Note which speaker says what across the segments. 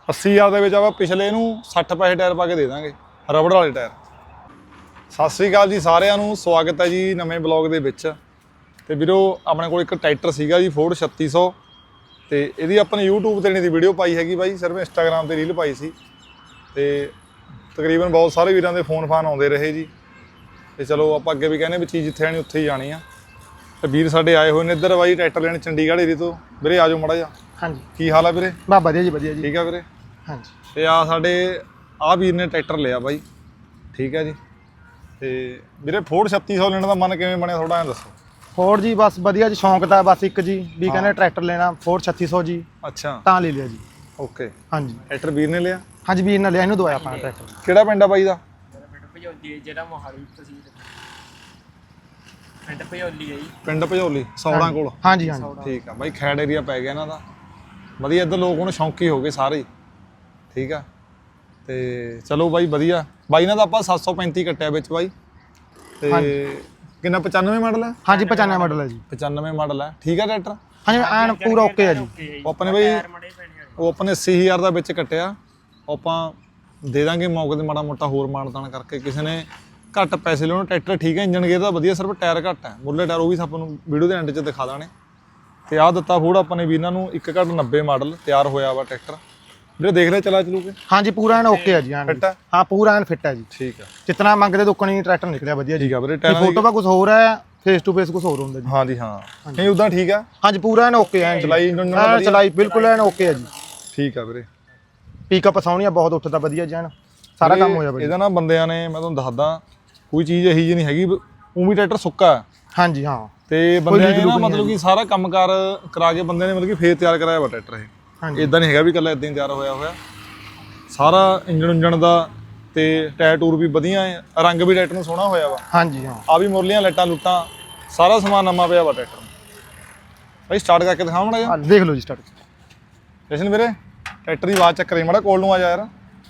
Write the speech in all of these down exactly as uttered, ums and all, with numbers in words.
Speaker 1: अस्सी हज़ार ਦੇ ਵਿੱਚ ਆਪਾਂ ਪਿਛਲੇ ਨੂੰ ਸੱਠ ਪੈਸੇ ਟਾਇਰ ਪਾ ਕੇ ਦੇ ਦਾਂਗੇ ਰਬੜ ਵਾਲੇ ਟਾਇਰ। ਸਤਿ ਸ੍ਰੀ ਅਕਾਲ ਜੀ ਸਾਰਿਆਂ ਨੂੰ, ਸਵਾਗਤ ਹੈ ਜੀ ਨਵੇਂ ਬਲੌਗ ਦੇ ਵਿੱਚ। ਤੇ ਵੀਰੋ ਆਪਣੇ ਕੋਲ ਇੱਕ ਟਰੈਕਟਰ ਸੀਗਾ ਜੀ ਫੋਰਡ ਛੱਤੀ ਸੌ, ਤੇ ਇਹਦੀ ਆਪਾਂ ਨੇ YouTube ਤੇ ਨਹੀਂ ਦੀ ਵੀਡੀਓ ਪਾਈ ਹੈਗੀ ਬਾਈ, ਸਿਰਫ ਇੰਸਟਾਗ੍ਰਾਮ ਤੇ ਰੀਲ ਪਾਈ ਸੀ। ਤੇ ਤਕਰੀਬਨ ਬਹੁਤ ਸਾਰੇ ਵੀਰਾਂ ਦੇ ਫੋਨ ਫਾਨ ਆਉਂਦੇ ਰਹੇ ਜੀ। ਤੇ ਚਲੋ ਆਪਾਂ ਅੱਗੇ ਵੀ ਕਹਿੰਦੇ ਵੀ ਚੀਜ਼ ਜਿੱਥੇ ਆਣੀ ਉੱਥੇ ਹੀ ਜਾਣੀ ਆ। ਤੇ ਵੀਰ ਸਾਡੇ ਆਏ ਹੋਏ ਨੇ ਇੱਧਰ ਬਾਈ ਟਰੈਕਟਰ ਲੈਣ ਚੰਡੀਗੜ੍ਹ ਏਰੀਏ ਤੋਂ। ਵੀਰੇ ਆ ਜਾਓ ਮਾੜਾ ਜਿਹਾ।
Speaker 2: ਹਾਂਜੀ
Speaker 1: ਕੀ ਹਾਲ ਆ ਵੀਰੇ?
Speaker 2: ਬਾ ਵਧੀਆ ਜੀ ਵਧੀਆ ਜੀ।
Speaker 1: ਠੀਕ ਆ ਵੀਰੇ।
Speaker 2: ਹਾਂਜੀ
Speaker 1: ਤੇ ਆ ਸਾਡੇ ਆ ਵੀਰ ਨੇ ਟਰੈਕਟਰ ਲਿਆ ਬਾਈ, ਠੀਕ ਹੈ ਜੀ। ਤੇ ਵੀਰੇ ਫੋਰਡ ਛੱਤੀ ਸੌ ਲੈਣ ਦਾ ਮਨ ਕਿਵੇਂ ਬਣਿਆ ਥੋੜਾ ਐਂ ਦੱਸੋ।
Speaker 2: ਫੋਰਡ ਜੀ ਬਸ ਵਧੀਆ ਜੀ, ਸ਼ੌਂਕ ਤਾਂ ਬਸ ਇੱਕ ਜੀ ਵੀ ਕਹਿੰਦੇ ਟਰੈਕਟਰ ਲੈਣਾ ਫੋਰਡ ਛੱਤੀ ਸੌ ਜੀ,
Speaker 1: ਅੱਛਾ
Speaker 2: ਤਾਂ ਲੈ ਲਿਆ ਜੀ।
Speaker 1: ਓਕੇ,
Speaker 2: ਹਾਂਜੀ
Speaker 1: ਟਰੈਕਟਰ ਵੀਰ ਨੇ ਲਿਆ।
Speaker 2: ਹਾਂਜੀ ਵੀਰ ਨੇ ਲਿਆ, ਇਹਨੂੰ ਦਵਾਇਆ ਆਪਣਾ ਟਰੈਕਟਰ।
Speaker 1: ਕਿਹੜਾ ਪਿੰਡ ਆ ਬਾਈ ਦਾ?
Speaker 3: ਪਿੰਡ ਭਜੌਲੀ ਜਿਹੜਾ ਮੋਹਾਲੀ ਤਹਿਸੀਲ ਪਿੰਡ ਭਜੌਲੀ ਹੈ ਜੀ।
Speaker 1: ਪਿੰਡ ਭਜੌਲੀ ਸੌੜਾਂ ਕੋਲ।
Speaker 2: ਹਾਂਜੀ ਹਾਂਜੀ
Speaker 1: ਠੀਕ ਆ ਬਾਈ, ਖੈੜ ਏਰੀਆ ਪੈ ਗਿਆ ਇਹਨਾਂ ਦਾ ਵਧੀਆ। ਇੱਧਰ ਲੋਕ ਹੁਣ ਸ਼ੌਂਕੀ ਹੋ ਗਏ ਸਾਰੇ ਹੀ, ਠੀਕ ਆ। ਤੇ ਚਲੋ ਬਾਈ ਵਧੀਆ। ਬਾਈ ਨਾਲ ਤਾਂ ਆਪਾਂ ਸੱਤ ਸੌ ਪੈਂਤੀ ਕੱਟਿਆ ਵਿੱਚ ਬਾਈ। ਤੇ ਕਿੰਨਾ ਪਚਾਨਵੇਂ ਮਾਡਲ ਹੈ?
Speaker 2: ਹਾਂਜੀ ਪਚਾਨਵੇਂ ਮਾਡਲ ਹੈ ਜੀ।
Speaker 1: ਪਚਾਨਵੇਂ ਮਾਡਲ ਹੈ, ਠੀਕ ਆ ਟਰੈਕਟਰ।
Speaker 2: ਹਾਂਜੀ ਐਨ ਪੂਰਾ ਓਕੇ ਹੈ ਜੀ।
Speaker 1: ਉਹ ਆਪਣੇ ਬਾਈ ਉਹ ਆਪਣੇ ਅੱਸੀ ਹਜ਼ਾਰ ਦਾ ਵਿੱਚ ਕੱਟਿਆ, ਉਹ ਆਪਾਂ ਦੇ ਦਾਂਗੇ ਮੌਕੇ ਤੇ ਮਾੜਾ ਮੋਟਾ ਹੋਰ ਮਾਨਤਾਨ ਕਰਕੇ। ਕਿਸੇ ਨੇ ਘੱਟ ਪੈਸੇ ਲੈਣ ਟਰੈਕਟਰ ਠੀਕ ਹੈ, ਇੰਜਨ ਗੇਅਰ ਦਾ ਵਧੀਆ, ਸਿਰਫ ਟਾਇਰ ਘੱਟ ਹੈ। ਮੁੱਢਲੇ ਟਾਇਰ ਉਹ ਵੀ ਆਪਾਂ ਨੂੰ ਵੀਡੀਓ ਦੇ ਐਂਡ 'ਚ ਦਿਖਾ ਦਾਣੇ। ਤੇ ਆਹ ਦਿੱਤਾ ਫੋਰਡ ਆਪਾਂ ਨੇ ਵੀ ਇਹਨਾਂ ਨੂੰ ਇੱਕ ਘੱਟ ਨੱਬੇ ਮਾਡਲ ਤਿਆਰ ਹੋਇਆ ਵਾ ਟਰੈਕਟਰ। ਵੀਰੇ ਦੇਖ ਲਿਆ ਚਲਾ ਚਲੂ ਕੇ?
Speaker 2: ਹਾਂਜੀ ਪੂਰਾ ਐਨ ਓਕੇ ਹੈ ਜੀ। ਐਨ
Speaker 1: ਫਿੱਟ ਹੈ?
Speaker 2: ਹਾਂ ਪੂਰਾ ਐਨ ਫਿੱਟ ਹੈ ਜੀ।
Speaker 1: ਠੀਕ ਆ,
Speaker 2: ਜਿਤਨਾ ਮੰਗਦੇ ਦੁੱਕਣੀ ਟਰੈਕਟਰ ਨਿਕਲਿਆ ਵਧੀਆ ਜੀ।
Speaker 1: ਠੀਕ ਆ ਵੀਰੇ। ਟਾਇਰਾਂ
Speaker 2: ਫੋਟੋ ਦਾ ਕੁਝ ਹੋਰ ਹੈ, ਫੇਸ ਟੂ ਫੇਸ ਕੁਝ ਹੋਰ ਹੁੰਦਾ ਜੀ।
Speaker 1: ਹਾਂਜੀ ਹਾਂ, ਨਹੀਂ ਉਦਾਂ ਠੀਕ ਆ।
Speaker 2: ਹਾਂਜੀ ਪੂਰਾ ਐਨ ਓਕੇ ਐਨ
Speaker 1: ਚਲਾਈ ਇੰਜਨ ਨਾਲ
Speaker 2: ਐਨ
Speaker 1: ਵਧੀਆ?
Speaker 2: ਚਲਾਈ ਬਿਲਕੁਲ ਐਨ ਓਕੇ ਹੈ ਜੀ।
Speaker 1: ਠੀਕ ਆ ਵੀਰੇ।
Speaker 2: ਪਿਕਅਪ ਸੌਣੀਆ ਬਹੁਤ ਉੱਠਦਾ ਵਧੀਆ ਜੀ, ਐਨ ਸਾਰਾ ਕੰਮ ਹੋ ਜਾਵੇ।
Speaker 1: ਇਹਦਾ ਨਾ ਬੰਦਿਆਂ ਨੇ, ਮੈਂ ਤੁਹਾਨੂੰ ਦੱਸਦਾ, ਕੋਈ ਚੀਜ਼ ਇਹੀ ਜਿਹੀ ਨਹੀਂ ਹੈਗੀ। ਉਹ ਵੀ ਟਰੈਕਟਰ ਸੁੱਕਾ ਹੈ।
Speaker 2: ਹਾਂਜੀ ਹਾਂ।
Speaker 1: ਤੇ ਬੰਦਿਆਂ ਨੇ ਨਾ ਮਤਲਬ ਕਿ ਸਾਰਾ ਕੰਮਕਾਰ ਕਰਾ ਕੇ ਬੰਦੇ ਨੇ ਮਤਲਬ ਕਿ ਫੇਰ ਤਿਆਰ ਕਰਾਇਆ ਵਾ ਟਰੈਕਟਰ ਇਹ।
Speaker 2: ਹਾਂਜੀ
Speaker 1: ਇਦਾਂ ਨਹੀਂ ਹੈਗਾ ਵੀ ਇਕੱਲਾ ਇਦਾਂ ਹੀ ਤਿਆਰ ਹੋਇਆ ਹੋਇਆ। ਸਾਰਾ ਇੰਜਣ ਉਂਜਣ ਦਾ ਤੇ ਟਾਇਰ ਟੂਰ ਵੀ ਵਧੀਆ ਹੈ, ਰੰਗ ਵੀ ਟਰੈਕਟਰ ਨੂੰ ਸੋਹਣਾ ਹੋਇਆ ਵਾ।
Speaker 2: ਹਾਂਜੀ ਹਾਂ।
Speaker 1: ਆ ਵੀ ਮੁਰਲੀਆਂ ਲਾਈਟਾਂ ਲੁੱਟਾਂ ਸਾਰਾ ਸਮਾਨ ਨਵਾਂ ਪਿਆ ਵਾ ਟਰੈਕਟਰ ਨੂੰ। ਭਾਈ ਸਟਾਰਟ ਕਰਕੇ ਦਿਖਾਓ ਮਾੜਾ ਜਿਹਾ।
Speaker 2: ਹਾਂ ਦੇਖ ਲਓ ਜੀ ਸਟਾਰਟ।
Speaker 1: ਜਸ਼ਨ ਵੀਰੇ ਟਰੈਕਟਰ ਦੀ ਆਵਾਜ਼ ਚੱਕ ਰਹੀ ਮਾੜਾ, ਕੋਲ ਨੂੰ ਆ ਜਾ ਯਾਰ।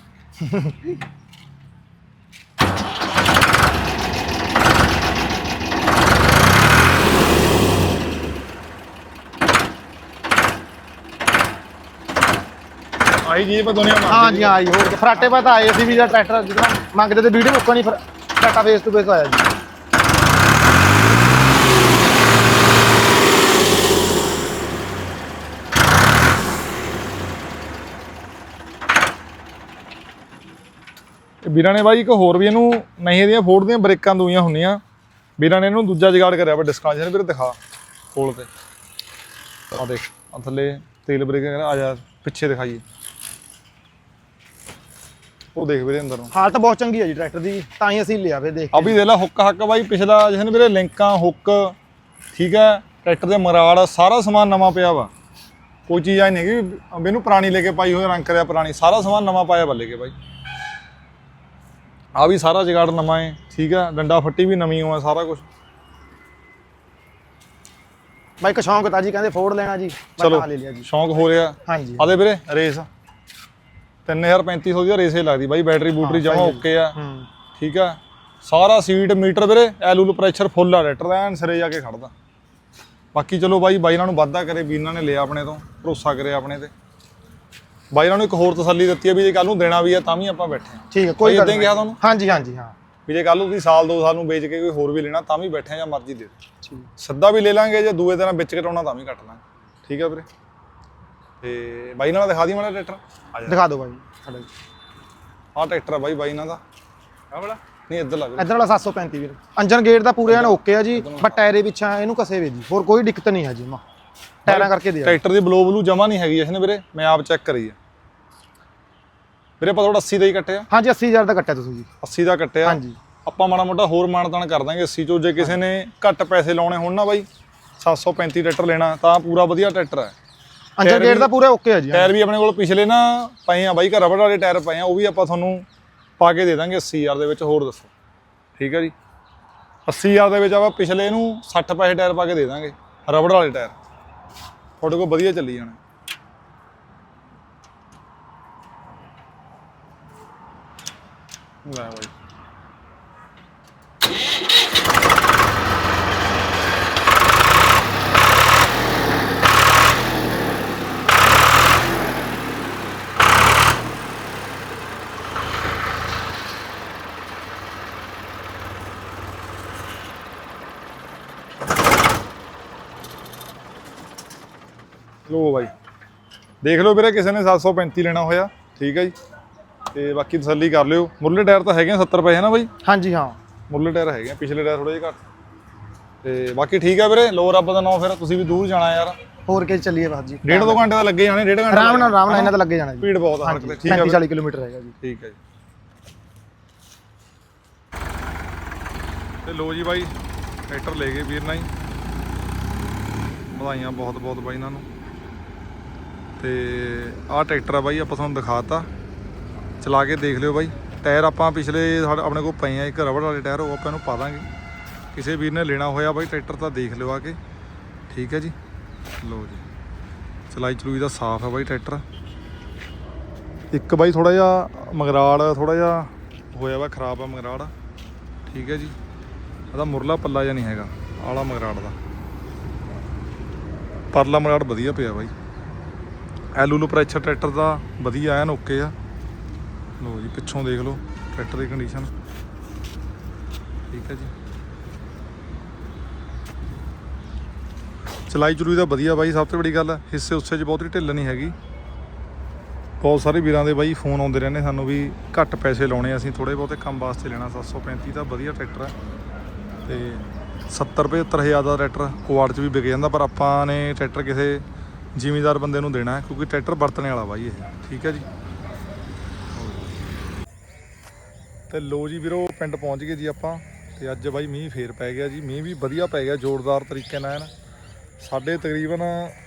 Speaker 1: ਆਈ ਜੀ ਪਰ ਦੁਨੀਆ ਮਾਰ।
Speaker 2: ਹਾਂਜੀ ਹਾਂ ਜੀ, ਹੋਰ ਫਰਾਟੇ ਪਾ ਤਾਂ ਆਏ ਸੀ ਵੀ ਜਿਹੜਾ ਟਰੈਕਟਰ ਜਿਹੜਾ ਮੰਗਦੇ ਤੇ ਵੀਡੀਓ ਮੁੱਕਣੀ, ਫਿਰ ਫਰਾਟਾ ਫੇਸ ਟੂ ਫੇਸ ਆਇਆ ਜੀ।
Speaker 1: ਵੀਰਾਂ ਨੇ ਬਾਈ ਇੱਕ ਹੋਰ ਵੀ ਇਹਨੂੰ, ਨਹੀਂ ਇਹਦੀਆਂ ਫੋਰਡ ਦੀਆਂ ਬ੍ਰੇਕਾਂ ਦੂਈਆਂ ਹੁੰਦੀਆਂ, ਵੀਰਾਂ ਨੇ ਇਹਨੂੰ ਦੂਜਾ ਜਗਾੜ ਕਰਿਆ ਵਾ ਡਿਸਕਾਂ ਜਿਹਨੇ ਵੀਰੇ ਦਿਖਾ ਕੋਲ ਤੇ। ਆ ਦੇਖ ਆ ਥੱਲੇ ਤੇਲ ਬ੍ਰੇਕ ਆ ਜਾ ਪਿੱਛੇ ਦਿਖਾਈਏ, ਉਹ ਦੇਖ ਵੀਰੇ ਅੰਦਰ ਨੂੰ।
Speaker 2: ਹਾਲਤ ਬਹੁਤ ਚੰਗੀ ਹੈ ਜੀ ਟਰੈਕਟਰ ਦੀ, ਤਾਂ ਹੀ ਅਸੀਂ ਲਿਆ ਵੇ ਦੇਖ
Speaker 1: ਆ ਵੀ ਦੇਖ ਲਾ ਹੁੱਕ ਹੱਕ ਬਾਈ ਪਿਛਲਾ ਜਿਹਨੇ ਵੀਰੇ ਲਿੰਕਾਂ ਹੁੱਕ, ਠੀਕ ਹੈ। ਟਰੈਕਟਰ ਦੇ ਮਰਾੜ ਸਾਰਾ ਸਮਾਨ ਨਵਾਂ ਪਿਆ ਵਾ। ਕੋਈ ਚੀਜ਼ ਆਈ ਨਹੀਂ ਹੈਗੀ ਵੀ ਇਹਨੂੰ ਪੁਰਾਣੀ ਲੈ ਕੇ ਪਾਈ ਹੋਈ, ਰੰਗ ਕਰਿਆ ਪੁਰਾਣੀ, ਸਾਰਾ ਸਮਾਨ ਨਵਾਂ ਪਾਇਆ ਬੱਲੇ ਕੇ ਬਾਈ। ਆ ਵੀ ਸਾਰਾ ਜਗਾੜ ਨਵਾਂ ਹੈ, ਠੀਕ ਹੈ। ਡੰਡਾ ਫੱਟੀ ਵੀ ਨਵੀਂ ਹੋਆ, ਸਾਰਾ ਕੁਝ।
Speaker 2: ਬਾਈ ਇੱਕ ਸ਼ੌਂਕ ਤਾਂ ਜੀ, ਕਹਿੰਦੇ ਫੋਰਡ ਲੈਣਾ ਜੀ,
Speaker 1: ਚਲੋ
Speaker 2: ਮੈਂ ਲੈ ਲਿਆ ਜੀ।
Speaker 1: ਸ਼ੌਂਕ ਹੋ ਰਿਹਾ।
Speaker 2: ਹਾਂਜੀ
Speaker 1: ਆਦੇ ਵੀਰੇ ਰੇਸ ਤਿੰਨ ਹਜ਼ਾਰ ਪੈਂਤੀ ਸੌ ਦੀ ਰੇਸੇ ਲੱਗਦੀ ਬਾਈ। ਬੈਟਰੀ ਬੂਟਰੀ ਜਮਾ ਓਕੇ ਆ,
Speaker 2: ਹੂੰ
Speaker 1: ਠੀਕ ਆ। ਸਾਰਾ ਸੀਟ ਮੀਟਰ ਵੀਰੇ ਐਲੂਲ ਪ੍ਰੈਸ਼ਰ ਫੁੱਲ ਆ ਟਰੈਕਟਰ ਦਾ, ਐਨ ਸਿਰੇ ਜਾ ਕੇ ਖੜਦਾ। ਬਾਕੀ ਚਲੋ ਬਾਈ ਬਾਈ ਇਹਨਾਂ ਨੂੰ ਵਾਧਾ ਕਰੇ, ਵੀਰਾਂ ਨੇ ਲਿਆ ਆਪਣੇ ਤੋਂ, ਭਰੋਸਾ ਕਰੇ ਆਪਣੇ ਤੇ। ਬਾਈ ਇਹਨਾਂ ਨੂੰ ਇੱਕ ਹੋਰ ਤਸੱਲੀ ਦਿੱਤੀ ਹੈ ਵੀ ਜੇ ਕੱਲ ਨੂੰ ਦੇਣਾ ਵੀ ਆ ਤਾਂ ਵੀ ਆਪਾਂ ਬੈਠੇ ਆ।
Speaker 2: ਠੀਕ ਹੈ, ਕੋਈ ਗੱਲ
Speaker 1: ਨਹੀਂ ਕਿਹਾ ਤੁਹਾਨੂੰ?
Speaker 2: ਹਾਂਜੀ ਹਾਂਜੀ ਹਾਂ।
Speaker 1: ਵੀ ਜੇ ਕੱਲ ਨੂੰ ਤੁਸੀਂ ਸਾਲ ਦੋ ਸਾਲ ਨੂੰ ਵੇਚ ਕੇ ਕੋਈ ਹੋਰ ਵੀ ਲੈਣਾ ਤਾਂ ਵੀ ਬੈਠੇ ਆ, ਜਾਂ ਮਰਜ਼ੀ ਦੇ ਦਿਓ।
Speaker 2: ਠੀਕ
Speaker 1: ਸਿੱਧਾ ਵੀ ਲੈ ਲਾਂਗੇ, ਜੇ ਦੂਏ ਦਿਨ ਵਿੱਚ ਕਟਾਉਣਾ ਤਾਂ ਵੀ ਕੱਟ ਲਾਂਗੇ, ਠੀਕ ਆ ਵੀਰੇ। ਤੇ ਬਾਈ ਨਾਲ ਦਿਖਾ ਦੀ ਮਾੜਾ ਟਰੈਕਟਰ, ਆ ਜਾ
Speaker 2: ਦਿਖਾ ਦਿਓ ਬਾਈ ਸਾਡਾ ਜੀ।
Speaker 1: ਆਹ ਟਰੈਕਟਰ ਆ ਬਾਈ ਬਾਈ ਇਹਨਾਂ ਦਾ। ਆਹ ਵਾਲਾ ਨਹੀਂ, ਇੱਧਰ ਲੱਗ
Speaker 2: ਇੱਧਰ ਵਾਲਾ ਸੱਤ ਸੌ ਪੈਂਤੀ ਵੀਰ। ਅੰਜਨ ਗੇਟ ਦਾ ਪੂਰੇ ਐਨ ਓਕੇ ਆ ਜੀ, ਬਟ ਟਾਇਰੇ ਪਿੱਛਾ ਇਹਨੂੰ ਕਸੇ ਵੇ ਜੀ, ਹੋਰ ਕੋਈ ਦਿੱਕਤ ਨਹੀਂ ਹੈ ਜੀ। ਮਾ ਟਾਇਰਾਂ ਕਰਕੇ ਦੇ
Speaker 1: ਟਰੈਕਟਰ ਦੀ ਬਲੋ ਬਲੂ ਜਮਾ ਨਹੀਂ ਹੈਗੀ ਇਸਨੇ ਵੀਰੇ, ਮੈਂ ਆਪ ਚੈੱਕ ਕਰੀ ਆ ਵੀਰੇ। ਆਪਾਂ ਥੋੜਾ ਅੱਸੀ ਦਾ ਹੀ ਕੱਟਿਆ।
Speaker 2: ਹਾਂਜੀ ਅੱਸੀ ਹਜ਼ਾਰ ਦਾ ਕੱਟਿਆ ਤੁਸੀਂ ਜੀ।
Speaker 1: ਅੱਸੀ ਦਾ ਕੱਟਿਆ।
Speaker 2: ਹਾਂਜੀ
Speaker 1: ਆਪਾਂ ਮਾੜਾ ਮੋਟਾ ਹੋਰ ਮਾਨਤਾਨ ਕਰ ਦਾਂਗੇ ਅੱਸੀ ਚੋਂ। ਜੇ ਕਿਸੇ ਨੇ ਘੱਟ ਪੈਸੇ ਲਾਉਣੇ ਹੋਣ ਨਾ ਬਾਈ, ਸੱਤ ਸੌ ਪੈਂਤੀ ਟਰੈਕਟਰ ਲੈਣਾ ਤਾਂ ਪੂਰਾ ਵਧੀਆ ਟਰੈਕਟਰ ਹੈ।
Speaker 2: ਅੰਜਨ ਗੇਟ ਦਾ ਪੂਰਾ ਓਕੇ ਆ ਜੀ।
Speaker 1: ਟਾਇਰ ਵੀ ਆਪਣੇ ਕੋਲ ਪਿਛਲੇ ਨਾ ਪਏ ਆ ਬਾਈ, ਰਬੜ ਵਾਲੇ ਟਾਇਰ ਪਏ ਆ, ਉਹ ਵੀ ਆਪਾਂ ਤੁਹਾਨੂੰ ਪਾ ਕੇ ਦੇ ਦਾਂਗੇ ਅੱਸੀ ਹਜ਼ਾਰ ਦੇ ਵਿੱਚ। ਹੋਰ ਦੱਸੋ, ਠੀਕ ਹੈ ਜੀ। ਅੱਸੀ ਹਜ਼ਾਰ ਦੇ ਵਿੱਚ ਆਪਾਂ ਪਿਛਲੇ ਨੂੰ ਸੱਠ ਪੈਸੇ ਟਾਇਰ ਪਾ ਕੇ ਦੇ ਦਾਂਗੇ ਰਬੜ ਵਾਲੇ ਟਾਇਰ, ਤੁਹਾਡੇ ਕੋਲ ਵਧੀਆ ਚੱਲੀ ਜਾਣਾ। ਲੈ ਬਾਈ ਲੋ ਬਾਈ ਦੇਖ ਲਓ ਵੀਰੇ, ਕਿਸੇ ਨੇ ਸੱਤ ਸੌ ਪੈਂਤੀ ਲੈਣਾ ਹੋਇਆ ਠੀਕ ਹੈ ਜੀ। ਤੇ ਬਾਕੀ ਤਸੱਲੀ ਕਰ ਲਿਓ। ਮੁਰਲੇ ਟਾਇਰ ਤਾਂ ਹੈਗੇ ਆ ਸੱਤਰ ਪਏ ਹੈ ਨਾ ਬਾਈ?
Speaker 2: ਹਾਂਜੀ ਹਾਂ
Speaker 1: ਮੁਰਲੇ ਟਾਇਰ ਹੈਗੇ ਆ, ਪਿਛਲੇ ਟਾਇਰ ਥੋੜੇ ਜਿਹੇ ਘੱਟ। ਤੇ ਬਾਕੀ ਠੀਕ ਆ ਵੀਰੇ, ਲੋ ਰੱਬ ਦਾ ਨਾਮ। ਫਿਰ ਤੁਸੀਂ ਵੀ ਦੂਰ ਜਾਣਾ ਯਾਰ,
Speaker 2: ਹੋਰ ਕੇ ਚੱਲੀਏ ਬਸ ਜੀ।
Speaker 1: ਡੇਢ ਦੋ ਘੰਟੇ ਦਾ ਲੱਗੇ ਜਾਣੇ, ਡੇਢ ਘੰਟੇ
Speaker 2: ਆਰਾਮ ਨਾਲ ਆਰਾਮ ਨਾਲ ਇਹਨਾਂ ਦਾ ਲੱਗੇ ਜਾਣਾ ਜੀ।
Speaker 1: ਭੀੜ ਬਹੁਤ ਆ ਸੜਕ ਤੇ। ਠੀਕ ਆ
Speaker 2: ਪੈਂਤੀ ਚਾਲੀ ਕਿਲੋਮੀਟਰ ਹੈਗਾ ਜੀ।
Speaker 1: ਠੀਕ ਹੈ ਜੀ। ਤੇ ਲੋ ਜੀ ਬਾਈ ਟਰੈਕਟਰ ਲੈ ਗਏ ਵੀਰ ਨਾਲ ਹੀ, ਵਧਾਈਆਂ ਬਹੁਤ ਬਹੁਤ ਬਾਈ ਇਹਨਾਂ ਨੂੰ। ਤੇ ਆਹ ਟਰੈਕਟਰ ਆ ਬਾਈ, ਆਪਾਂ ਤੁਹਾਨੂੰ ਦਿਖਾਤਾ, ਚਲਾ ਕੇ ਦੇਖ ਲਿਓ ਬਾਈ। ਟਾਇਰ ਆਪਾਂ ਪਿਛਲੇ ਸਾਡੇ ਆਪਣੇ ਕੋਲ ਪਏ ਆ, ਇੱਕ ਰਬੜ ਵਾਲੇ ਟਾਇਰ, ਉਹ ਆਪਾਂ ਇਹਨੂੰ ਪਾ ਦਾਂਗੇ। ਕਿਸੇ ਵੀਰ ਨੇ ਲੈਣਾ ਹੋਇਆ ਬਾਈ ਟਰੈਕਟਰ ਤਾਂ ਦੇਖ ਲਿਓ ਆ ਕੇ। ਠੀਕ ਹੈ ਜੀ। ਲੋ ਜੀ ਚਲਾਈ ਚਲੂਈ ਦਾ ਸਾਫ਼ ਹੈ ਬਾਈ ਟਰੈਕਟਰ। ਇੱਕ ਬਾਈ ਥੋੜਾ ਜਿਹਾ ਮਗਰਾੜ ਥੋੜਾ ਜਿਹਾ ਹੋਇਆ ਵਾ, ਖਰਾਬ ਆ ਮਗਰਾੜ। ਠੀਕ ਹੈ ਜੀ। ਇਹਦਾ ਮੁਰਲਾ ਪੱਲਾ ਜਿਹਾ ਨਹੀਂ ਹੈਗਾ ਆਲਾ ਮਗਰਾੜ ਦਾ, ਪਰਲਾ ਮਗਰਾੜ ਵਧੀਆ ਪਿਆ ਬਾਈ। ਐਲੂਲੂ ਪ੍ਰੈਸ਼ਰ ਟਰੈਕਟਰ ਦਾ ਵਧੀਆ ਐਨ ਓਕੇ ਆ। ਲੋ ਜੀ ਪਿੱਛੋਂ ਦੇਖ ਲਓ ਟਰੈਕਟਰ ਦੀ ਕੰਡੀਸ਼ਨ। ਠੀਕ ਹੈ ਜੀ। ਚਲਾਈ ਚਲੂਈ ਦਾ ਵਧੀਆ ਬਾਈ, ਸਭ ਤੋਂ ਬੜੀ ਗੱਲ ਹਿੱਸੇ ਉਸੇ 'ਚ ਬਹੁਤੀ ਢਿੱਲ ਨਹੀਂ ਹੈਗੀ। ਬਹੁਤ ਸਾਰੇ ਵੀਰਾਂ ਦੇ ਬਾਈ ਫੋਨ ਆਉਂਦੇ ਰਹਿੰਦੇ ਸਾਨੂੰ ਵੀ ਘੱਟ ਪੈਸੇ ਲਾਉਣੇ, ਅਸੀਂ ਥੋੜ੍ਹੇ ਬਹੁਤੇ ਕੰਮ ਵਾਸਤੇ ਲੈਣਾ। ਸੱਤ ਸੌ ਪੈਂਤੀ ਦਾ ਵਧੀਆ ਟਰੈਕਟਰ ਹੈ ਤੇ ਸੱਤਰ ਪਝੱਤਰ ਹਜ਼ਾਰ ਦਾ ਟਰੈਕਟਰ ਕੁਆੜ 'ਚ ਵੀ ਵਿਕ ਜਾਂਦਾ, ਪਰ ਆਪਾਂ ਨੇ ਟਰੈਕਟਰ ਕਿਸੇ ਜ਼ਿਮੀਂਦਾਰ ਬੰਦੇ ਨੂੰ ਦੇਣਾ ਹੈ, ਕਿਉਂਕਿ ਟਰੈਕਟਰ ਵਰਤਣੇ ਵਾਲਾ ਬਾਈ ਇਹ। ਠੀਕ ਹੈ ਜੀ। ਤੇ ਲੋ ਜੀ ਵੀਰੋ ਪਿੰਡ ਪਹੁੰਚ ਗਏ ਜੀ ਆਪਾਂ। ਤੇ ਅੱਜ ਬਾਈ ਮੀਂਹ ਫੇਰ ਪੈ ਗਿਆ ਜੀ, ਮੀਂਹ ਵੀ ਵਧੀਆ ਪੈ ਗਿਆ ਜ਼ੋਰਦਾਰ ਤਰੀਕੇ ਨਾਲ। ਸਾਡੇ ਤਕਰੀਬਨ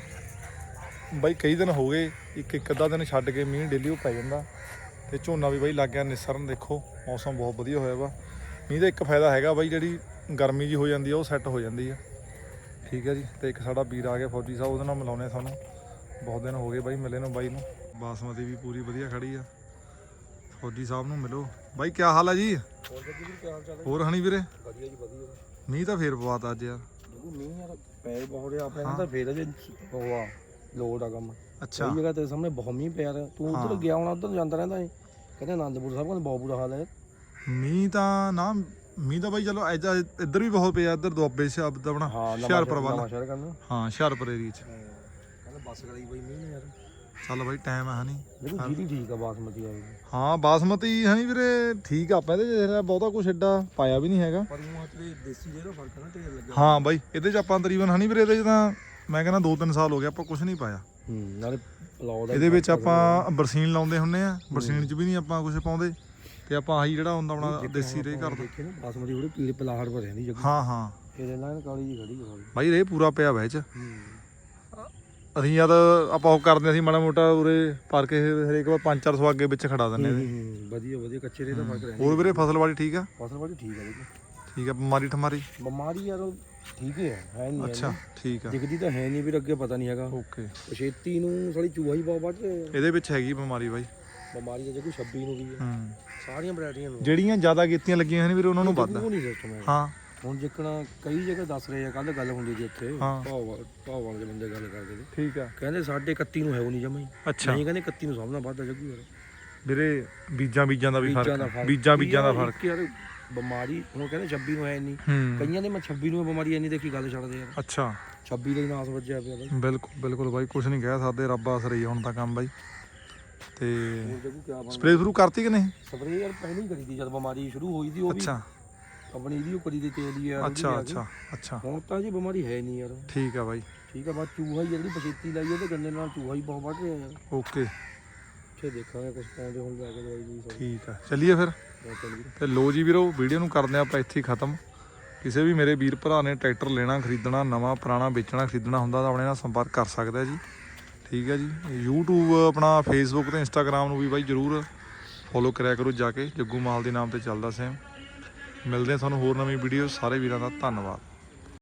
Speaker 1: ਬਾਈ ਕਈ ਦਿਨ ਹੋ ਗਏ, ਇੱਕ ਇੱਕ ਅੱਧਾ ਦਿਨ ਛੱਡ ਕੇ ਮੀਂਹ ਡੇਲੀ ਉਹ ਪੈ ਜਾਂਦਾ। ਤੇ ਝੋਨਾ ਵੀ ਬਾਈ ਲੱਗ ਗਿਆ ਨਿਸਰਨ। ਦੇਖੋ ਮੌਸਮ ਬਹੁਤ ਵਧੀਆ ਹੋਇਆ ਵਾ। ਮੀਂਹ ਦਾ ਇੱਕ ਫਾਇਦਾ ਹੈਗਾ ਬਾਈ, ਜਿਹੜੀ ਗਰਮੀ ਜੀ ਹੋ ਜਾਂਦੀ ਆ ਉਹ ਸੈੱਟ ਹੋ ਜਾਂਦੀ ਆ। ਠੀਕ ਹੈ ਜੀ। ਤੇ ਇੱਕ ਸਾਡਾ ਵੀਰ ਆ ਗਿਆ ਫੌਜੀ ਸਾਹਿਬ, ਉਹਦੇ ਨਾਲ ਮਿਲਾਉਂਦੇ ਸਾਨੂੰ, ਬਹੁਤ ਦਿਨ ਹੋ ਗਏ ਬਾਈ ਮਿਲੇ ਨੂੰ ਬਾਈ ਨੂੰ। ਬਾਸਮਤੀ ਵੀ ਪੂਰੀ ਵਧੀਆ ਖੜੀ ਆ। ਫੌਜੀ ਸਾਹਿਬ ਨੂੰ ਮਿਲੋ ਬਾਈ, ਕੀ ਹਾਲ ਆ ਜੀ? ਹੋਰ ਹਣੀ ਵੀਰੇ?
Speaker 3: ਵਧੀਆ ਜੀ ਵਧੀਆ।
Speaker 1: ਮੀਂਹ ਤਾਂ ਫੇਰ ਪਵਾਤਾ ਅੱਜ ਯਾਰ।
Speaker 3: ਮੀਂਹ ਯਾਰ ਪੈ ਬਹੁਤ ਰਿਹਾ ਆਪਣੇ ਨਾਲ ਤਾਂ ਫੇਰ ਜੇ ਹੋਆ ਲੋਡ ਆ ਕੰਮ।
Speaker 1: ਅੱਛਾ
Speaker 3: ਕਈ ਜਗ੍ਹਾ ਤੇ ਸਾਹਮਣੇ ਬਹੁਤ ਮੀਂਹ ਪਿਆ ਰਿਹਾ। ਤੂੰ ਉੱਧਰ ਗਿਆ ਹੋਣਾ, ਉੱਧਰ ਜਾਂਦਾ ਰਹਿੰਦਾ ਏ। ਕਹਿੰਦੇ ਆਨੰਦਪੁਰ ਸਾਹਿਬ ਕੋਲ ਬਹੁਤ ਬੁਰਾ ਹਾਲ ਹੈ
Speaker 1: ਮੀਂਹ ਤਾਂ। ਨਾ ਮੀਂਹ ਤਾਂ ਬਾਈ ਚਲੋ ਐਜਾ ਇੱਧਰ ਵੀ ਬਹੁਤ ਪਿਆ, ਇੱਧਰ ਦੁਆਬੇ ਸ਼ਬਦ ਆਪਣਾ ਹੁਸ਼ਿਆਰਪੁਰ ਵੱਲ। ਹਾਂ ਹੁਸ਼ਿਆਰਪੁਰ ਏਰੀਏ 'ਚ
Speaker 3: ਕਹਿੰਦੇ ਬੱਸ ਕਰਾਈ ਬਈ ਮੀਂਹ ਨੇ ਯਾਰ।
Speaker 1: ਚੱਲ ਬਾਈ ਟਾਈਮ ਹੈ ਹਨੀ।
Speaker 3: ਦੇਖੋ ਜੀਰੀ ਠੀਕ ਆ ਬਾਸਮਤੀ ਆ।
Speaker 1: ਹਾਂ ਬਾਸਮਤੀ ਹਨੀ ਵੀਰੇ ਠੀਕ ਆ। ਆਪਾਂ ਇਹਦੇ 'ਚ ਬਹੁਤਾ ਕੁਛ ਐਡਾ ਪਾਇਆ ਵੀ ਨਹੀਂ ਹੈਗਾ,
Speaker 3: ਪਰ ਉਹ ਤੇ ਦੇਸੀ ਜਿਹੜਾ ਫਰਕ ਹੈ ਨਾ ਢੇਰ ਲੱਗਿਆ।
Speaker 1: ਹਾਂ ਬਾਈ ਇਹਦੇ 'ਚ ਆਪਾਂ ਤਕਰੀਬਨ ਹਨੀ ਵੀਰੇ ਇਹਦੇ 'ਚ ਤਾਂ ਮੈਂ ਕਹਿੰਦਾ ਦੋ ਤਿੰਨ ਸਾਲ ਹੋ ਗਏ ਆਪਾਂ ਕੁਛ ਨਹੀਂ ਪਾਇਆ।
Speaker 3: ਹੂੰ ਨਾਲੇ ਪਲਾਉ ਦਾ
Speaker 1: ਇਹਦੇ ਵਿੱਚ ਆਪਾਂ ਬਰਸੀਨ ਲਾਉਂਦੇ ਹੁੰਦੇ ਆ, ਬਰਸੀਨ 'ਚ ਵੀ ਨਹੀਂ ਆਪਾਂ ਕੁਛ ਪਾਉਂਦੇ। ਤੇ ਆਪਾਂ ਆਹੀ ਜਿਹੜਾ ਹੁੰਦਾ ਆਪਣਾ ਦੇਸੀ ਰੇ ਕਰਦੇ।
Speaker 3: ਦੇਖੇ ਨਾ ਬਾਸਮਤੀ ਉਹਦੇ ਪੀਲੇ ਪਲਾਹੜ ਭਰ ਜਾਂਦੀ ਜੱਗੀ।
Speaker 1: ਹਾਂ ਹਾਂ
Speaker 3: ਇਹਦੇ ਨਾਲ ਕਾਲੀ ਜੀ ਖੜੀ ਹੈ
Speaker 1: ਬਾਈ ਰੇ ਪੂਰਾ ਪਿਆ ਵਿੱਚ।
Speaker 3: ਹੂੰ
Speaker 1: ਅਸੀਂ ਜਦ ਆਪਾਂ ਉਹ ਕਰਦੇ ਅਸੀਂ ਮਾੜਾ ਮੋਟਾ ਉਰੇ ਪਰ ਕੇ ਹਰੇਕ ਵਾਰ ਪੰਜ ਚਾਰ ਸੌ ਅੱਗੇ ਵਿੱਚ ਖੜਾ ਦਿੰਦੇ ਇਹਦੇ।
Speaker 3: ਹੂੰ ਵਧੀਆ ਵਧੀਆ ਕੱਚੇ ਰੇ ਦਾ ਫਰਕ ਰਹਿੰਦਾ।
Speaker 1: ਹੋਰ ਵੀਰੇ ਫਸਲ ਵਾਲੀ ਠੀਕ ਆ?
Speaker 3: ਫਸਲ ਵਾਲੀ ਠੀਕ ਆ ਦੇਖੋ।
Speaker 1: ਠੀਕ ਆ। ਬਿਮਾਰੀ ਠਮਾਰੀ
Speaker 3: ਬਿਮਾਰੀ ਯਾਰ ਠੀਕ ਹੈ ਹੈ ਨਹੀਂ।
Speaker 1: ਅੱਛਾ ਠੀਕ ਆ।
Speaker 3: ਦਿਖਦੀ ਤਾਂ ਹੈ ਨਹੀਂ, ਵੀ ਅੱਗੇ ਪਤਾ ਨਹੀਂ ਹੈਗਾ।
Speaker 1: ਓਕੇ।
Speaker 3: ਛੇਤੀ ਨੂੰ ਸਾਲੀ ਚੂਹਾ ਹੀ ਬਹੁਤ ਵੱਢ ਰਿਹਾ।
Speaker 1: ਇਹਦੇ ਵਿੱਚ ਹੈਗੀ ਬਿਮਾਰੀ ਬਾਈ।
Speaker 3: ਬਿਮਾਰੀ ਦਾ ਜੇ ਕੋਈ ਛੱਬੀ ਨੂੰ ਵੀ ਹੈ।
Speaker 1: ਹੂੰ
Speaker 3: ਸਾਰੀਆਂ ਵੈਰਾਈਟੀਆਂ ਨੂੰ
Speaker 1: ਜਿਹੜੀਆਂ ਜ਼ਿਆਦਾ ਕੀਤੀਆਂ ਲੱਗੀਆਂ ਹਨ ਵੀਰੇ ਉਹਨਾਂ ਨੂੰ ਵੱਧ।
Speaker 3: ਉਹ ਨਹੀਂ ਸਿਸਟਮ ਹੈ।
Speaker 1: ਹਾਂ
Speaker 3: ਹੁਣ ਜਿੱਕਣਾ ਕਈ ਜਗ੍ਹਾ ਦੱਸ ਰਹੇ ਆ, ਕੱਲ ਗੱਲ ਹੁੰਦੀ ਸੀ ਉੱਥੇ
Speaker 1: ਹਾਂ।
Speaker 3: ਭਾਵ ਭਾਵ ਵਾਲੇ ਬੰਦੇ ਗੱਲ ਕਰਦੇ ਸੀ।
Speaker 1: ਠੀਕ ਆ।
Speaker 3: ਕਹਿੰਦੇ ਸਾਡੇ ਇਕੱਤੀ ਨੂੰ ਹੈ ਉਹ ਨਹੀਂ ਜਮਾ ਹੀ।
Speaker 1: ਅੱਛਾ
Speaker 3: ਨਹੀਂ ਕਹਿੰਦੇ ਇਕੱਤੀ ਨੂੰ ਸਭ ਨਾਲ ਵੱਧਦਾ ਜੱਗੂ ਯਾਰ।
Speaker 1: ਵੀਰੇ ਬੀਜਾਂ ਬੀਜਾਂ ਦਾ ਵੀ
Speaker 3: ਬੀਜਾਂ ਦਾ
Speaker 1: ਫਰਕ,
Speaker 3: ਫਰਕ।
Speaker 1: ਬੀਜਾਂ ਬੀਜਾਂ ਦਾ ਫਰਕ।
Speaker 3: ਯਾਰ ਬਿਮਾਰੀ ਹੁਣ ਕਹਿੰਦੇ ਛੱਬੀ ਨੂੰ ਹੈ ਨਹੀਂ।
Speaker 1: ਹੂੰ
Speaker 3: ਕਈਆਂ ਦੇ ਮੈਂ ਛੱਬੀ ਨੂੰ ਬਿਮਾਰੀ ਐਨੀ ਦੇਖੀ ਗੱਲ ਛੱਡਦੇ ਯਾਰ।
Speaker 1: ਅੱਛਾ
Speaker 3: ਛੱਬੀ ਦਾ ਹੀ ਨਾਸ ਵੱਜਿਆ ਪਿਆ ਬਾਈ।
Speaker 1: ਬਿਲਕੁਲ ਬਿਲਕੁਲ ਬਾਈ ਕੁਛ ਨਹੀਂ ਕਹਿ ਸਕਦੇ, ਰੱਬ ਆਸਰੇ ਹੀ ਹੁਣ ਤਾਂ ਕੰਮ ਬਾਈ। ਤੇ
Speaker 3: ਜੱਗੂ ਕਿਆ ਬਣ
Speaker 1: ਸਪਰੇਅ ਸ਼ੁਰੂ ਕਰਤੀ ਕਿ ਨਹੀਂ?
Speaker 3: ਸਪਰੇਅ ਯਾਰ ਪਹਿਲਾਂ ਹੀ ਕਰੀ ਦੀ ਜਦ ਬਿਮਾਰੀ ਸ਼ੁਰੂ ਹੋਈ ਸੀ। ਉਹ ਵੀ
Speaker 1: ਅੱਛਾ
Speaker 3: ਆਪਣੀ ਇਹਦੀ ਉਹ ਕਰੀ ਦੀ ਤੇਲ ਦੀ ਯਾਰ।
Speaker 1: ਅੱਛਾ ਅੱਛਾ ਅੱਛਾ
Speaker 3: ਹੁਣ ਤਾਂ ਜੀ ਬਿਮਾਰੀ ਹੈ ਨਹੀਂ ਯਾਰ।
Speaker 1: ਠੀਕ ਆ ਬਾਈ।
Speaker 3: ਠੀਕ ਆ। ਬਸ ਚੂਹਾ ਹੀ ਜਿਹੜੀ ਪਛੇਤੀ ਲਾਈ ਉਹਦੇ ਗੰਨੇ ਨਾਲ ਚੂਹਾ ਹੀ ਬਹੁਤ ਵੱਢ ਰਿਹਾ ਯਾਰ।
Speaker 1: ਓਕੇ
Speaker 3: ਫੇਰ ਦੇਖਾਂਗੇ ਕੁਛ ਪਾਉਂਦੇ ਹੁਣ ਜਾ ਕੇ ਦਵਾਈ ਦੀ।
Speaker 1: ਠੀਕ ਆ ਚੱਲੀਏ ਫਿਰ। ਤੇ ਲੋ ਜੀ ਵੀਰੋ ਵੀਡੀਓ ਨੂੰ ਕਰਦੇ ਆਪਾਂ ਇੱਥੇ ਹੀ ਖਤਮ। ਕਿਸੇ ਵੀ ਮੇਰੇ ਵੀਰ ਭਰਾ ਨੇ ਟਰੈਕਟਰ ਲੈਣਾ ਖਰੀਦਣਾ, ਨਵਾਂ ਪੁਰਾਣਾ ਵੇਚਣਾ ਖਰੀਦਣਾ ਹੁੰਦਾ ਤਾਂ ਆਪਣੇ ਨਾਲ ਸੰਪਰਕ ਕਰ ਸਕਦਾ ਜੀ। ਠੀਕ ਹੈ ਜੀ। YouTube ਆਪਣਾ ਫੇਸਬੁੱਕ ਤੇ ਇੰਸਟਾਗ੍ਰਾਮ ਨੂੰ ਵੀ ਬਾਈ ਜ਼ਰੂਰ ਫੋਲੋ ਕਰਿਆ ਕਰੋ ਜਾ ਕੇ, ਜੱਗੂ ਮਾਲ ਦੇ ਨਾਮ ਤੇ ਚੱਲਦਾ ਸੇਮ। ਮਿਲਦੇ ਹਾਂ ਤੁਹਾਨੂੰ ਹੋਰ ਨਵੀਂ ਵੀਡੀਓ। ਸਾਰੇ ਵੀਰਾਂ ਦਾ ਧੰਨਵਾਦ।